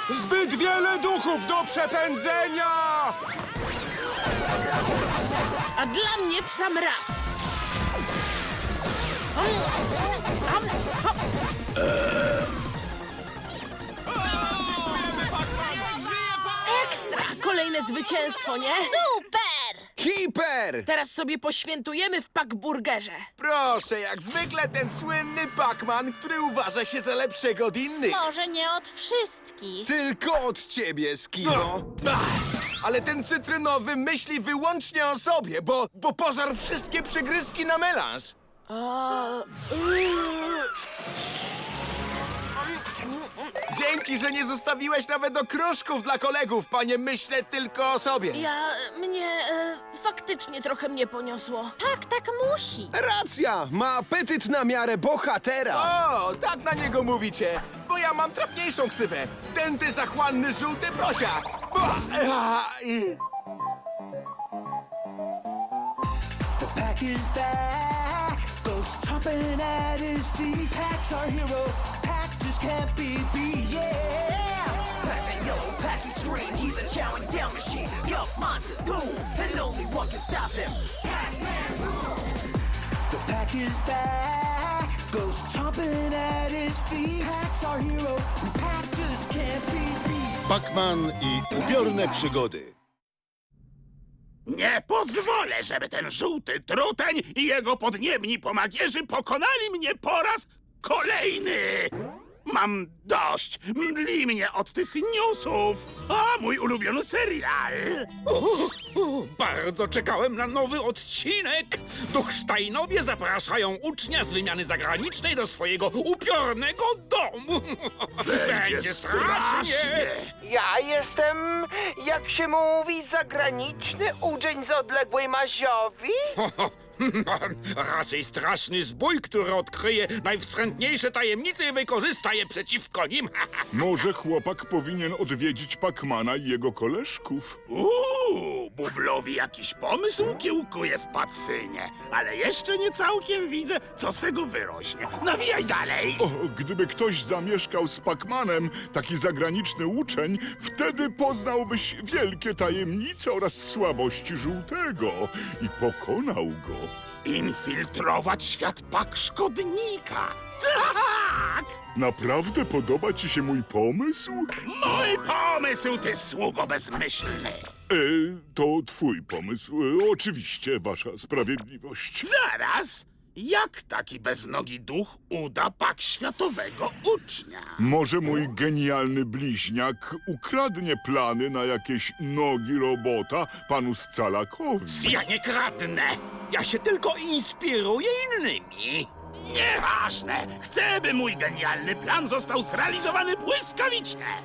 Zbyt wiele duchów do przepędzenia! A dla mnie w sam raz. Ekstra! Kolejne zwycięstwo, nie? Super! Hiper! Teraz sobie poświętujemy w Packburgerze. Proszę, jak zwykle ten słynny Pac-Man, który uważa się za lepszego od innych. Może nie od wszystkich. Tylko od ciebie, Skibo. Ale ten cytrynowy myśli wyłącznie o sobie, bo pożarł wszystkie przygryzki na melanż. Dzięki, że nie zostawiłeś nawet okruszków dla kolegów, panie myślę tylko o sobie. Faktycznie trochę mnie poniosło. Tak musi. Racja! Ma apetyt na miarę bohatera. O, tak na niego mówicie, bo ja mam trafniejszą ksywę. Denty zachłanny żółty prosia. The pack is back, goes chomping at his feet. Pack's our hero, Pack just can't be beat, yeah! Pack and yellow, Pack extreme, he's a chowing down machine. Yup, monster goons, and only one can stop him. Pac-Man rules! The pack is back, goes chomping at his feet. Pack's our hero, Pack just can't be beat. Pac-Man i upiorne przygody. Nie pozwolę, żeby ten żółty truteń i jego podniebni pomagierzy pokonali mnie po raz kolejny! Mam dość! Mdli mnie od tych newsów! A mój ulubiony serial! Bardzo czekałem na nowy odcinek! Duchsteinowie zapraszają ucznia z wymiany zagranicznej do swojego upiornego domu! Będzie strasznie! Ja jestem, jak się mówi, zagraniczny uczeń z odległej Maziowi? Raczej straszny zbój, który odkryje najwstrętniejsze tajemnice i wykorzysta je przeciwko nim. Może chłopak powinien odwiedzić Pacmana i jego koleżków. Bublowi jakiś pomysł kiełkuje w pacynie, ale jeszcze nie całkiem widzę, co z tego wyrośnie. Nawijaj dalej! O, gdyby ktoś zamieszkał z Pacmanem, taki zagraniczny uczeń, wtedy poznałbyś wielkie tajemnice oraz słabości żółtego i pokonał go. Infiltrować świat szkodnika. Tak! Naprawdę podoba ci się mój pomysł? Mój pomysł, ty sługo bezmyślny! To twój pomysł. Oczywiście, wasza sprawiedliwość. Zaraz! Jak taki beznogi duch uda światowego ucznia? Może mój genialny bliźniak ukradnie plany na jakieś nogi robota panu Scalakowi. Ja nie kradnę! Ja się tylko inspiruję innymi. Nieważne! Chcę, by mój genialny plan został zrealizowany błyskawicznie!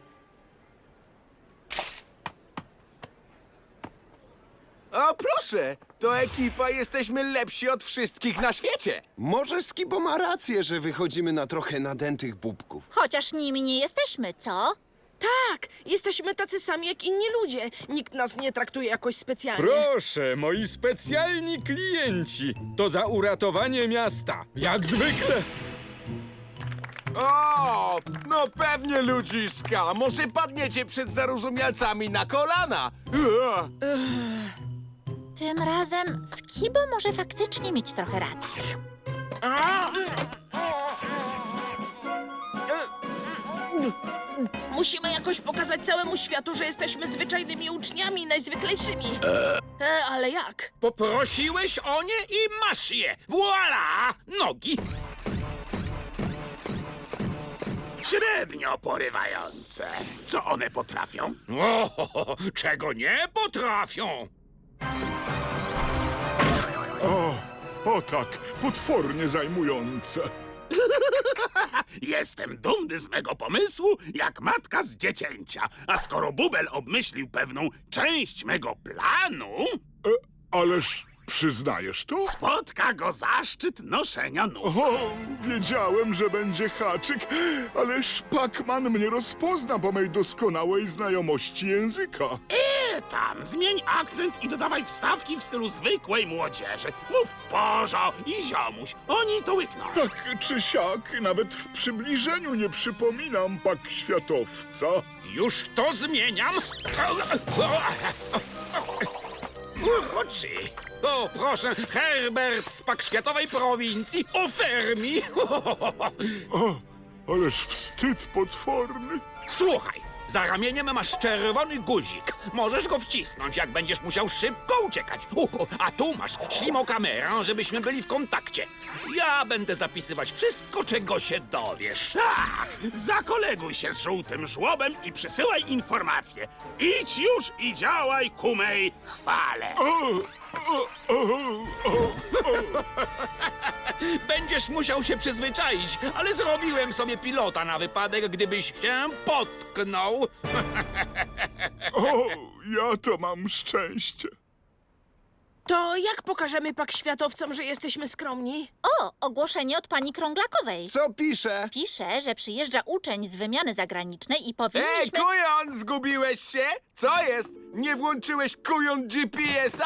O, proszę, to ekipa jesteśmy lepsi od wszystkich na świecie. Może Skibo ma rację, że wychodzimy na trochę nadętych bubków. Chociaż nimi nie jesteśmy, co? Tak, jesteśmy tacy sami jak inni ludzie. Nikt nas nie traktuje jakoś specjalnie. Proszę, moi specjalni klienci. To za uratowanie miasta. Jak zwykle. O, no pewnie, ludziska. Może padniecie przed zarozumialcami na kolana. Tym razem Skibo może faktycznie mieć trochę racji. Musimy jakoś pokazać całemu światu, że jesteśmy zwyczajnymi uczniami, najzwyklejszymi. Ale jak? Poprosiłeś o nie i masz je! Voila! Nogi! Średnio porywające. Co one potrafią? Czego nie potrafią? O tak, potwornie zajmujące. Jestem dumny z mego pomysłu, jak matka z dziecięcia. A skoro Bubel obmyślił pewną część mego planu, Ależ przyznajesz to? spotka go zaszczyt noszenia nóg. O, wiedziałem, że będzie haczyk, ależ Pacman mnie rozpozna po mej doskonałej znajomości języka. Tam, zmień akcent i dodawaj wstawki w stylu zwykłej młodzieży. Mów w porzo i ziomuś. Oni to łykną. Tak czy siak, nawet w przybliżeniu nie przypominam Pak Światowca. Już to zmieniam. Uroczy. O, proszę, Herbert z Pakświatowej prowincji Ofermi. O, ależ wstyd potworny. Słuchaj, za ramieniem masz czerwony guzik. Możesz go wcisnąć, jak będziesz musiał szybko uciekać. A tu masz ślimokamerę, żebyśmy byli w kontakcie. Ja będę zapisywać wszystko, czego się dowiesz. Tak, zakoleguj się z żółtym żłobem i przysyłaj informacje. Idź już i działaj ku mej chwale. Będziesz musiał się przyzwyczaić, ale zrobiłem sobie pilota na wypadek, gdybyś się potknął. O, ja to mam szczęście. To jak pokażemy pakświatowcom, że jesteśmy skromni? O, ogłoszenie od pani Krąglakowej. Co pisze? Pisze, że przyjeżdża uczeń z wymiany zagranicznej i powinniśmy... Kujon, zgubiłeś się? Co jest? Nie włączyłeś kujon GPS-a?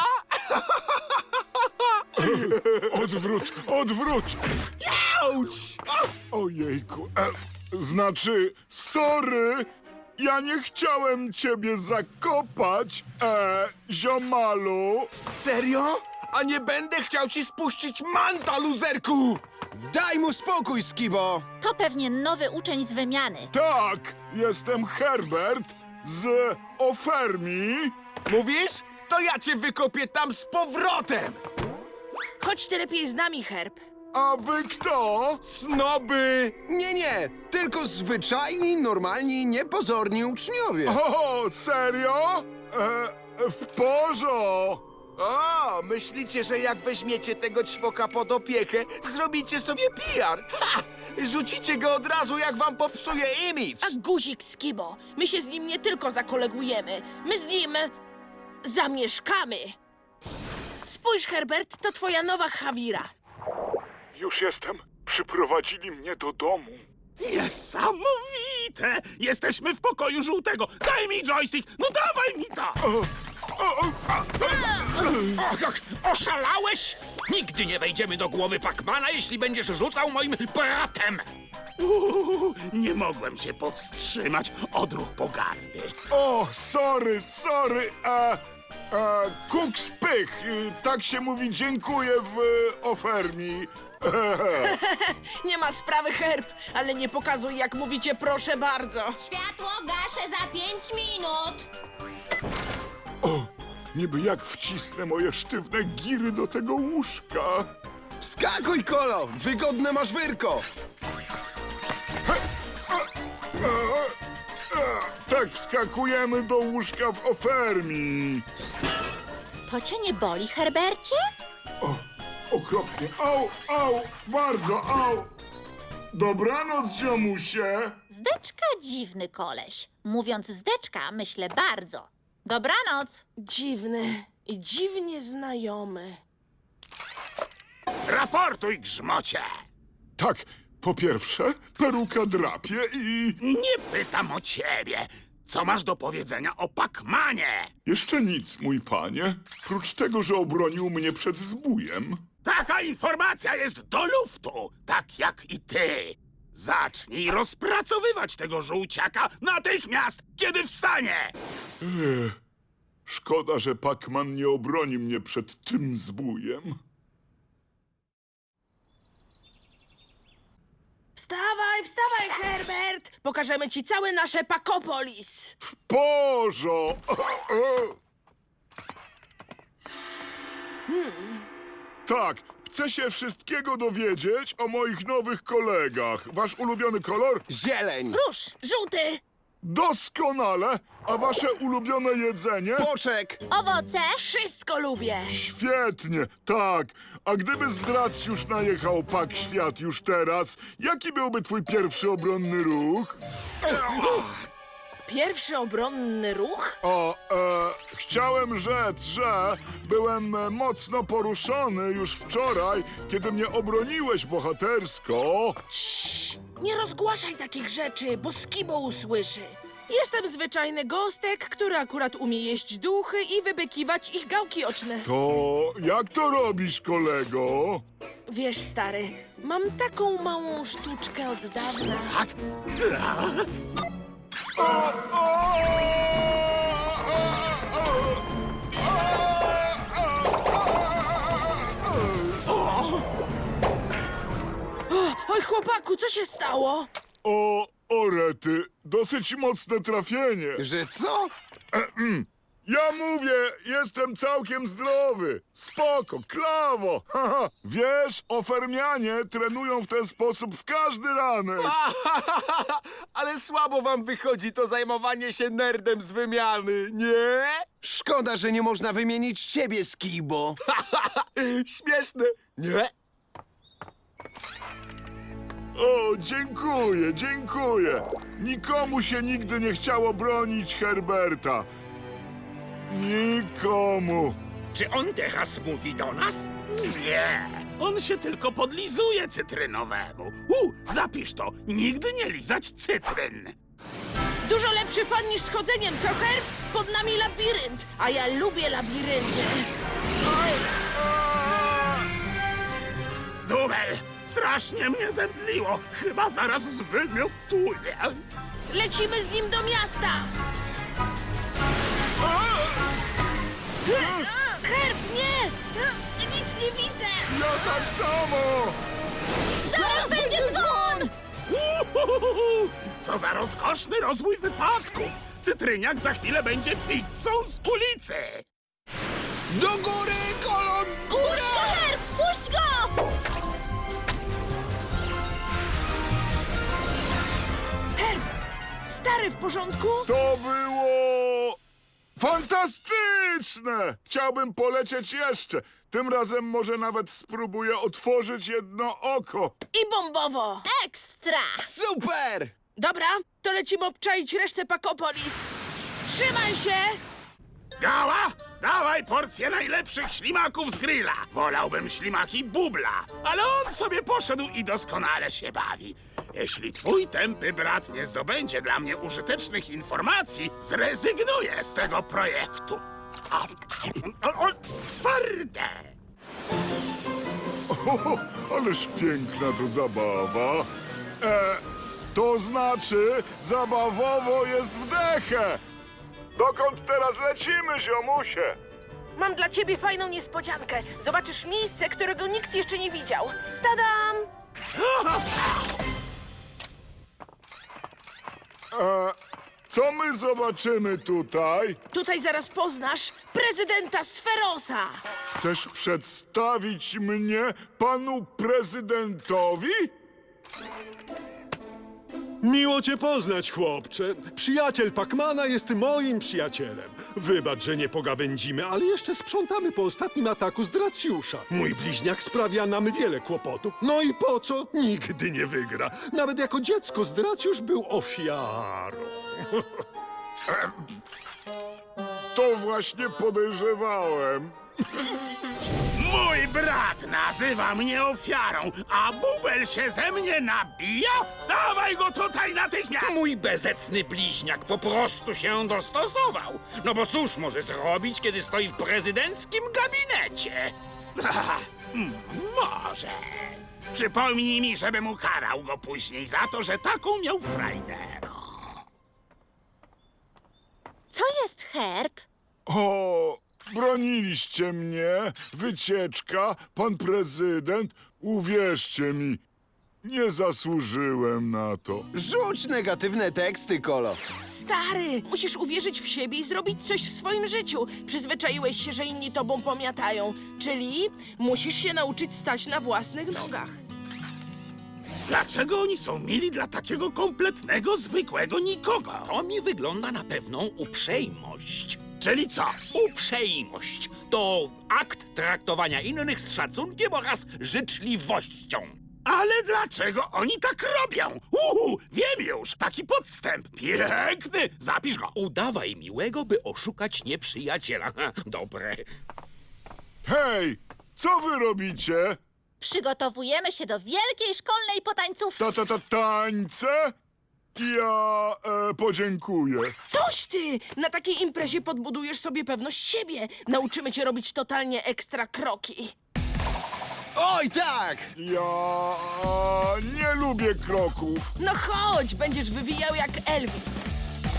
Odwrót! Auć! Ojejku, znaczy, sorry, ja nie chciałem ciebie zakopać, ziomalu. Serio? A nie będę chciał ci spuścić manta, luzerku! Daj mu spokój, Skibo! To pewnie nowy uczeń z wymiany. Tak, jestem Herbert z Ofermi. Mówisz? To ja cię wykopię tam z powrotem! Chodź ty lepiej z nami, Herb. A wy kto? Snoby! Nie, tylko zwyczajni, normalni, niepozorni uczniowie. O, serio? W porządku. O, myślicie, że jak weźmiecie tego ćwoka pod opiekę, zrobicie sobie PR? Ha! Rzucicie go od razu, jak wam popsuje imidż! A guzik Skibo, my się z nim nie tylko zakolegujemy, my z nim zamieszkamy. Spójrz, Herbert, to twoja nowa Hawira. Już jestem. Przyprowadzili mnie do domu. Niesamowite! Jesteśmy w pokoju żółtego. Daj mi joystick! No dawaj mi to! Oszalałeś? Nigdy nie wejdziemy do głowy Pacmana, jeśli będziesz rzucał moim bratem. Nie mogłem się powstrzymać. Odruch pogardy. O, sorry. Kuk spych. Tak się mówi dziękuję w Ofermi. Nie ma sprawy, Herb, ale nie pokazuj, jak mówicie proszę bardzo. Światło gaszę za 5 minut. O, niby jak wcisnę moje sztywne giry do tego łóżka. Wskakuj, Kolo! Wygodne masz wyrko! Tak wskakujemy do łóżka w Ofermi. To cię nie boli, Herbercie? Okropnie. Au, bardzo, au. Dobranoc, ziomusie. Zdeczka dziwny koleś. Mówiąc zdeczka, myślę bardzo. Dobranoc. Dziwny i dziwnie znajomy. Raportuj, grzmocie! Tak, po pierwsze, peruka drapie i... Nie pytam o ciebie. Co masz do powiedzenia o Pacmanie? Jeszcze nic, mój panie. Prócz tego, że obronił mnie przed zbójem. Taka informacja jest do luftu, tak jak i ty. Zacznij rozpracowywać tego żółciaka natychmiast, kiedy wstanie. Szkoda, że Pacman nie obroni mnie przed tym zbójem. Wstawaj, wstawaj, Herbert! Pokażemy ci całe nasze Pakopolis. W porządku. Tak, chcę się wszystkiego dowiedzieć o moich nowych kolegach. Wasz ulubiony kolor? Zieleń! Róż, żółty! Doskonale. A wasze ulubione jedzenie? Poczek! Owoce? Wszystko lubię. Świetnie, tak. A gdyby Zdracjusz najechał Pakświat już teraz, jaki byłby twój pierwszy obronny ruch? Pierwszy obronny ruch? Chciałem rzec, że byłem mocno poruszony już wczoraj, kiedy mnie obroniłeś bohatersko. Nie rozgłaszaj takich rzeczy, bo Skibo usłyszy. Jestem zwyczajny gostek, który akurat umie jeść duchy i wybykiwać ich gałki oczne. To jak to robisz, kolego? Wiesz, stary, mam taką małą sztuczkę od dawna. Oj, chłopaku, co się stało? O, rety, dosyć mocne trafienie. Że co? Ja mówię, jestem całkiem zdrowy. Spoko, klawo. Haha. Wiesz, ofermianie trenują w ten sposób w każdy ranek. Ale słabo wam wychodzi to zajmowanie się nerdem z wymiany, nie? Szkoda, że nie można wymienić ciebie, Skibo. Śmieszne, nie? O, dziękuję, dziękuję. Nikomu się nigdy nie chciało bronić Herberta. Nikomu. Czy on teraz mówi do nas? Nie, on się tylko podlizuje cytrynowemu. Zapisz to, nigdy nie lizać cytryn. Dużo lepszy fan niż schodzeniem, co, Herb? Pod nami labirynt, a ja lubię labirynty. Dubel, strasznie mnie zemdliło. Chyba zaraz zwymiotuję. Lecimy z nim do miasta! Herb, nie! Nic nie widzę! Ja tak samo. Zaraz będzie dzwon! Uhuhuhu! Co za rozkoszny rozwój wypadków! Cytryniak za chwilę będzie pizzą z ulicy! Do góry, kolon, górę! Herb, puść go! Herb, stary, w porządku? To było fantastyczne! Chciałbym polecieć jeszcze. Tym razem może nawet spróbuję otworzyć jedno oko. I bombowo! Ekstra! Super! Dobra, to lecimy obczaić resztę Pakopolis. Trzymaj się! Gała, dawaj porcję najlepszych ślimaków z grilla. Wolałbym ślimaki bubla, ale on sobie poszedł i doskonale się bawi. Jeśli twój tępy brat nie zdobędzie dla mnie użytecznych informacji, zrezygnuję z tego projektu. Twarde! O, ależ piękna to zabawa. To znaczy, zabawowo jest w dechę. Dokąd teraz lecimy, ziomusie? Mam dla ciebie fajną niespodziankę. Zobaczysz miejsce, którego nikt jeszcze nie widział. Tadam! Co my zobaczymy tutaj? Tutaj zaraz poznasz prezydenta Sferosa. Chcesz przedstawić mnie panu prezydentowi? Miło cię poznać, chłopcze. Przyjaciel Pacmana jest moim przyjacielem. Wybacz, że nie pogawędzimy, ale jeszcze sprzątamy po ostatnim ataku z Dracjusza. Mój bliźniak sprawia nam wiele kłopotów. No i po co? Nigdy nie wygra. Nawet jako dziecko Dracjusz był ofiarą. To właśnie podejrzewałem. Mój brat nazywa mnie ofiarą, a bubel się ze mnie nabija? Dawaj go tutaj natychmiast! Mój bezecny bliźniak po prostu się dostosował. No bo cóż może zrobić, kiedy stoi w prezydenckim gabinecie? Może. Przypomnij mi, żebym ukarał go później za to, że taką miał frajdę. Co jest, Herb? O, broniliście mnie, wycieczka, pan prezydent. Uwierzcie mi, nie zasłużyłem na to. Rzuć negatywne teksty, Kolo. Stary, musisz uwierzyć w siebie i zrobić coś w swoim życiu. Przyzwyczaiłeś się, że inni tobą pomiatają. Czyli musisz się nauczyć stać na własnych nogach. Dlaczego oni są mili dla takiego kompletnego, zwykłego nikogo? To mi wygląda na pewną uprzejmość. Czyli co? Uprzejmość to akt traktowania innych z szacunkiem oraz życzliwością. Ale dlaczego oni tak robią? Wiem już, taki podstęp. Piękny, zapisz go. Udawaj miłego, by oszukać nieprzyjaciela. Dobre. Hej, co wy robicie? Przygotowujemy się do wielkiej szkolnej potańcówki. Tańce? Ja podziękuję. Coś ty! Na takiej imprezie podbudujesz sobie pewność siebie. Nauczymy cię robić totalnie ekstra kroki. Oj, tak! Ja nie lubię kroków. No chodź, będziesz wywijał jak Elvis.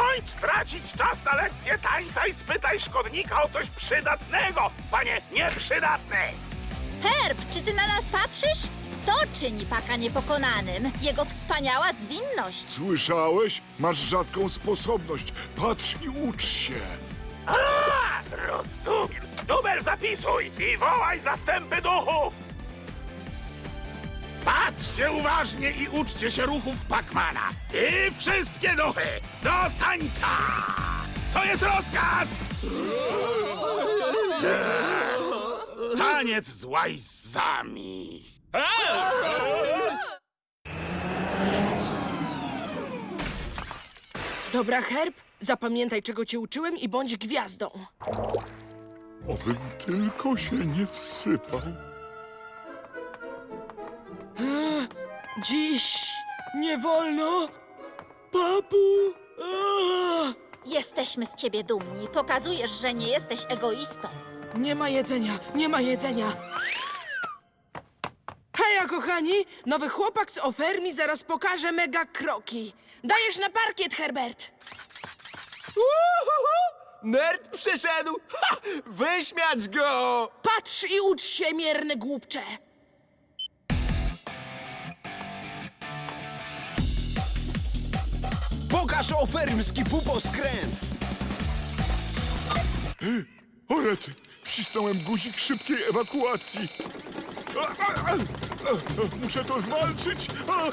Skończ tracić czas na lekcję tańca i spytaj szkodnika o coś przydatnego, panie nieprzydatny! Herb, czy ty na nas patrzysz? To czyni Paka niepokonanym. Jego wspaniała zwinność. Słyszałeś? Masz rzadką sposobność. Patrz i ucz się. A, rozumiem. Dubel, zapisuj i wołaj zastępy duchów! Patrzcie uważnie i uczcie się ruchów Pacmana. I wszystkie duchy do tańca! To jest rozkaz! Taniec z łajzami. Dobra, Herb, zapamiętaj, czego cię uczyłem i bądź gwiazdą. Obym tylko się nie wsypał. Dziś nie wolno, papu. Jesteśmy z ciebie dumni. Pokazujesz, że nie jesteś egoistą. Nie ma jedzenia, nie ma jedzenia. Heja, kochani! Nowy chłopak z Ofermi zaraz pokaże mega kroki. Dajesz na parkiet, Herbert! Nerd przyszedł! Ha! Wyśmiać go! Patrz i ucz się, mierny głupcze! Pokaż ofermski puposkręt! O rety, wcisnąłem guzik szybkiej ewakuacji. Muszę to zwalczyć.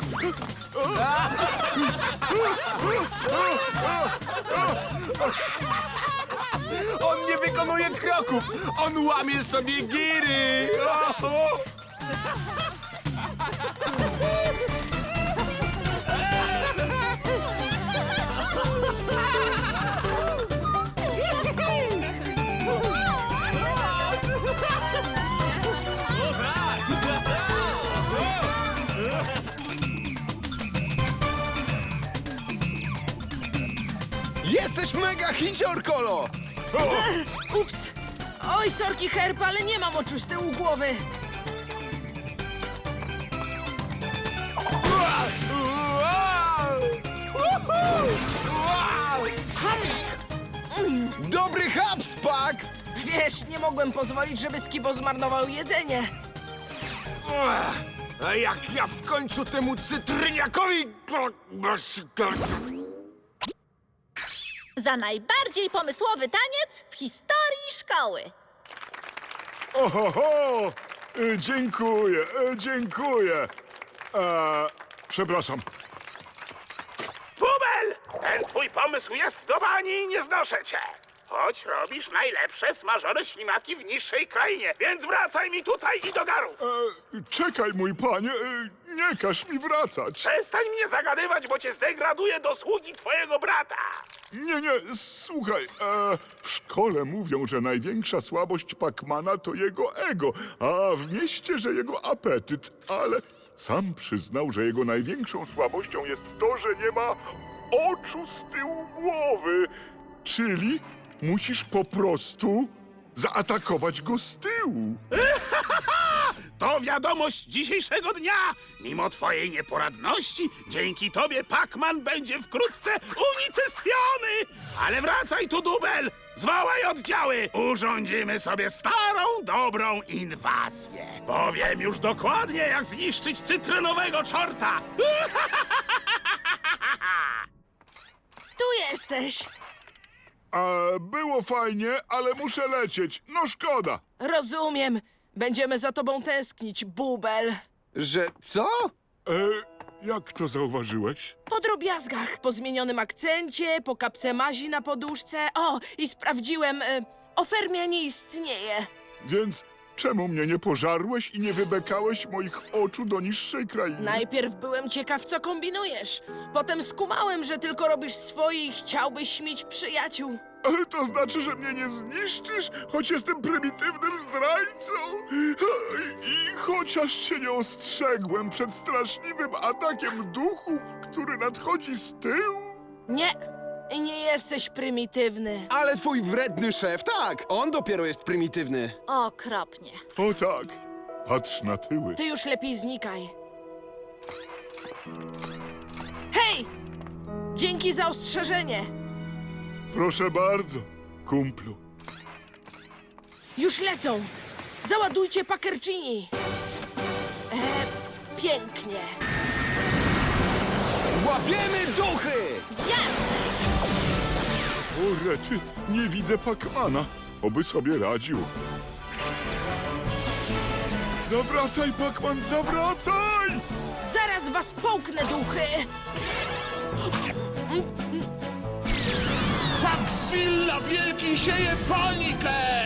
On nie wykonuje kroków! On łamie sobie giry! Jesteś mega hicior, Kolo! Ups! Oj, sorki, Herb, ale nie mam oczu z tyłu głowy. Dobry haps, Pak! Wiesz, nie mogłem pozwolić, żeby Skibo zmarnował jedzenie. A jak ja w końcu temu cytryniakowi... Za najbardziej pomysłowy taniec w historii szkoły. Ohoho! Dziękuję, dziękuję. Przepraszam. Bubel! Ten twój pomysł jest do bani i nie znoszę cię. Choć robisz najlepsze smażone ślimaki w niższej krainie, więc wracaj mi tutaj i do garu. Czekaj, mój panie, nie każ mi wracać. Przestań mnie zagadywać, bo cię zdegraduję do sługi twojego brata. Nie, słuchaj, w szkole mówią, że największa słabość Pacmana to jego ego, a w mieście, że jego apetyt, ale sam przyznał, że jego największą słabością jest to, że nie ma oczu z tyłu głowy. Czyli musisz po prostu zaatakować go z tyłu. To wiadomość dzisiejszego dnia. Mimo twojej nieporadności, dzięki tobie Pacman będzie wkrótce unicestwiony. Ale wracaj tu, Dubel. Zwołaj oddziały. Urządzimy sobie starą, dobrą inwazję. Powiem już dokładnie, jak zniszczyć cytrynowego czorta. Tu jesteś. Było fajnie, ale muszę lecieć. No szkoda. Rozumiem. Będziemy za tobą tęsknić, Bubel. Że co? Jak to zauważyłeś? Po drobiazgach, po zmienionym akcencie, po kapce mazi na poduszce. O, i sprawdziłem, Ofermia nie istnieje. Więc czemu mnie nie pożarłeś i nie wybekałeś moich oczu do niższej krainy? Najpierw byłem ciekaw, co kombinujesz. Potem skumałem, że tylko robisz swoje i chciałbyś mieć przyjaciół. Ale to znaczy, że mnie nie zniszczysz, choć jestem prymitywnym zdrajcą? I chociaż cię nie ostrzegłem przed straszliwym atakiem duchów, który nadchodzi z tyłu? Nie jesteś prymitywny. Ale twój wredny szef, tak, on dopiero jest prymitywny. Okropnie. O tak, patrz na tyły. Ty już lepiej znikaj. Hej! Dzięki za ostrzeżenie. Proszę bardzo, kumplu. Już lecą! Załadujcie Pakercini! Pięknie! Łapiemy duchy! O rety, nie widzę Pacmana. Oby sobie radził. Zawracaj, Pacman, zawracaj! Zaraz was połknę, duchy! Paxilla Wielki sieje panikę!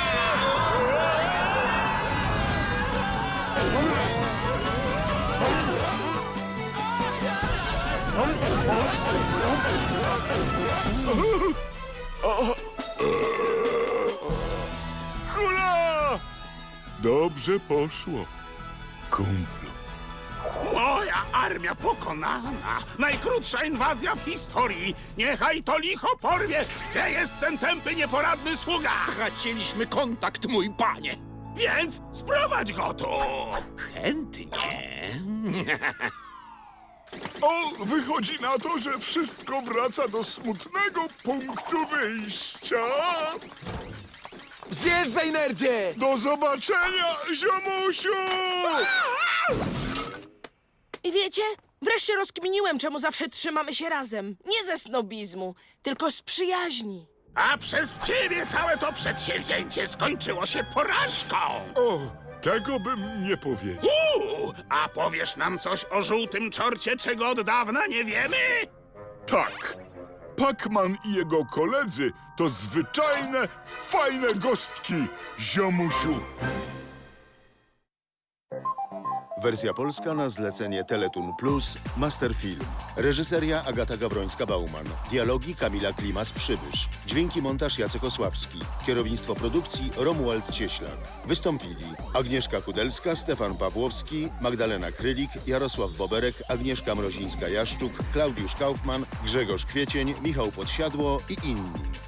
Hurra! Dobrze poszło, kumplu. Moja armia pokonana! Najkrótsza inwazja w historii! Niechaj to licho porwie! Gdzie jest ten tępy, nieporadny sługa? Traciliśmy kontakt, mój panie. Więc sprowadź go tu! Chętnie. O, wychodzi na to, że wszystko wraca do smutnego punktu wyjścia. Zjeżdżaj, nerdzie! Do zobaczenia, ziomusiu! I wiecie, wreszcie rozkminiłem, czemu zawsze trzymamy się razem. Nie ze snobizmu, tylko z przyjaźni. A przez ciebie całe to przedsięwzięcie skończyło się porażką! O, tego bym nie powiedział. A powiesz nam coś o żółtym czorcie, czego od dawna nie wiemy? Tak, Pacman i jego koledzy to zwyczajne, fajne gostki, ziomusiu. Wersja polska na zlecenie Teletun Plus, Masterfilm. Reżyseria Agata Gawrońska-Bauman. Dialogi Kamila Klimas-Przybysz. Dźwięki montaż Jacek Osławski. Kierownictwo produkcji Romuald Cieślak. Wystąpili Agnieszka Kudelska, Stefan Pawłowski, Magdalena Krylik, Jarosław Boberek, Agnieszka Mrozińska-Jaszczuk, Klaudiusz Kaufman, Grzegorz Kwiecień, Michał Podsiadło i inni.